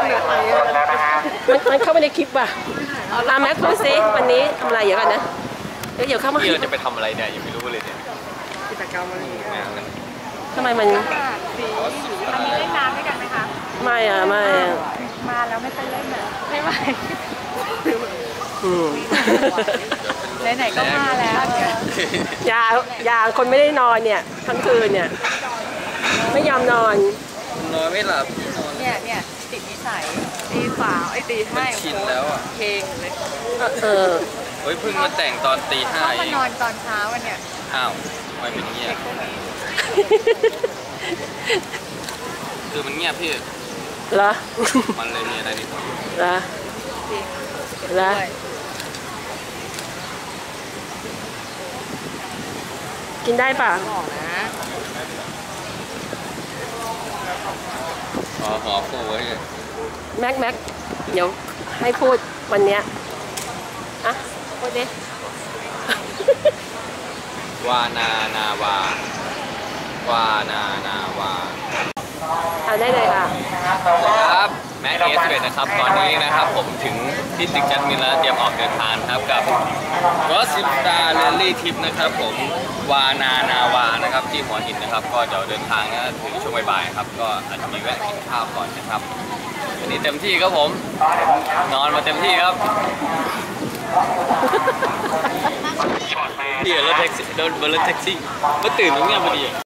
มันเข้าไปในคลิปว่ะแม็กพูดซิวันนี้ทำอะไรอยู่กันนะเดี๋ยวเข้ามาเราจะไปทำอะไรเนี่ยยังไม่รู้เลยเนี่ยกิจกรรมอะไรทำไมมันอันนี้เล่นน้ำด้วยกันไหมคะไม่มาแล้วไม่เคยเล่นอ่ะไม่ไหวไหนก็มาแล้วยาคนไม่ได้นอนเนี่ยทั้งคืนเนี่ยไม่ยอมนอนไม่หลับเนี่ยติดนิสัยตีฝาตีให้ชินแล้วอ่ะเพลงเลยเฮ้ยเพิ่งมาแต่งตอนตี 5 มานอนตอนเช้าวันเนี่ยอ้าวไม่เป็นเงียบคือมันเงียบพี่เหรอมันเลยมีอะไรนิดหน่อยเหรอกินได้ป่ะหอคู่ไว้แม็กเดี๋ยวให้พูดวันเนี้ยอ่ะพูดดิวานานาวาได้เลยค่ะครับแม็กเอสเวนะครับตอนนี้นะครับผมถึงที่ตึกจัดมินแล้วเตรียมออกเดินทางครับกับรถซิปตาเรลลี่ทริปนะครับผมวานาวานะครับที่หัวหินนะครับก็จะเดินทางนะถึงช่วงบ่ายๆครับก็อาจจะมีแวะกินข้าวก่อนนะครับวันนี้เต็มที่ครับผมนอนมาเต็มที่ครับเดี๋ยวรถแท็กซี่โดนรถแท็กซี่มาตื่นตรงนี้พอดี